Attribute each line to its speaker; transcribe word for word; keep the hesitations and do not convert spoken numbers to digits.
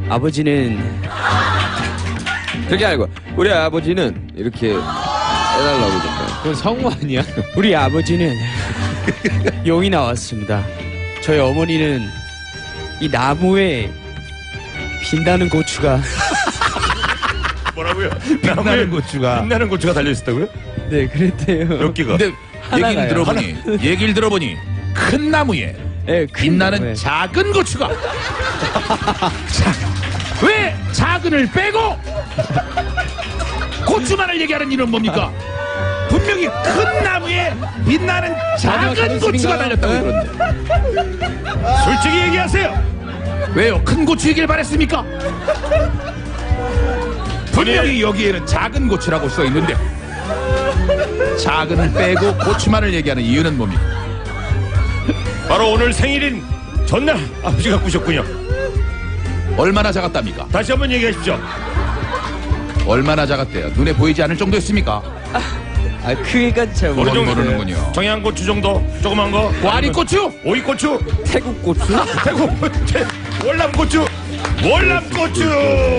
Speaker 1: 아버지는
Speaker 2: 그게 아니고 우리 아버지는 이렇게 해달라고 그러니까.
Speaker 3: 그건 성우 아니야?
Speaker 1: 우리 아버지는 용이 나왔습니다. 저희 어머니는 이 나무에 빛나는 고추가
Speaker 4: 뭐라고요?
Speaker 5: 빛나는 고추가.
Speaker 4: 빛나는 고추가 달려있었다고요?
Speaker 1: 네 그랬대요.
Speaker 4: 몇 개가?
Speaker 5: 근데
Speaker 1: 하나가요.
Speaker 5: 얘기를 들어보니 얘기를 들어보니 큰 나무에
Speaker 1: 네, 큰
Speaker 5: 빛나는
Speaker 1: 나무에.
Speaker 5: 작은 고추가. 자, 왜 작은을 빼고 고추만을 얘기하는 이유는 뭡니까? 분명히 큰 나무에 빛나는 작은 고추가 달렸다고 그러는데
Speaker 4: 솔직히 얘기하세요.
Speaker 5: 왜요? 큰 고추 얘기를 바랬습니까? 분명히 여기에는 작은 고추라고 써 있는데 작은을 빼고 고추만을 얘기하는 이유는 뭡니까?
Speaker 4: 바로 오늘 생일인 전날 아버지가 꾸셨군요.
Speaker 5: 얼마나 작았답니까?
Speaker 4: 다시 한번 얘기하십시오.
Speaker 5: 얼마나 작았대요? 눈에 보이지 않을 정도였습니까?
Speaker 1: 아 크기가 잘
Speaker 4: 어느 정도?
Speaker 5: 모르는군요.
Speaker 4: 청양고추 정도? 조그만 거?
Speaker 5: 와리고추?
Speaker 4: 오이고추?
Speaker 1: 태국 고추?
Speaker 4: 태국 월남고추? 월남고추?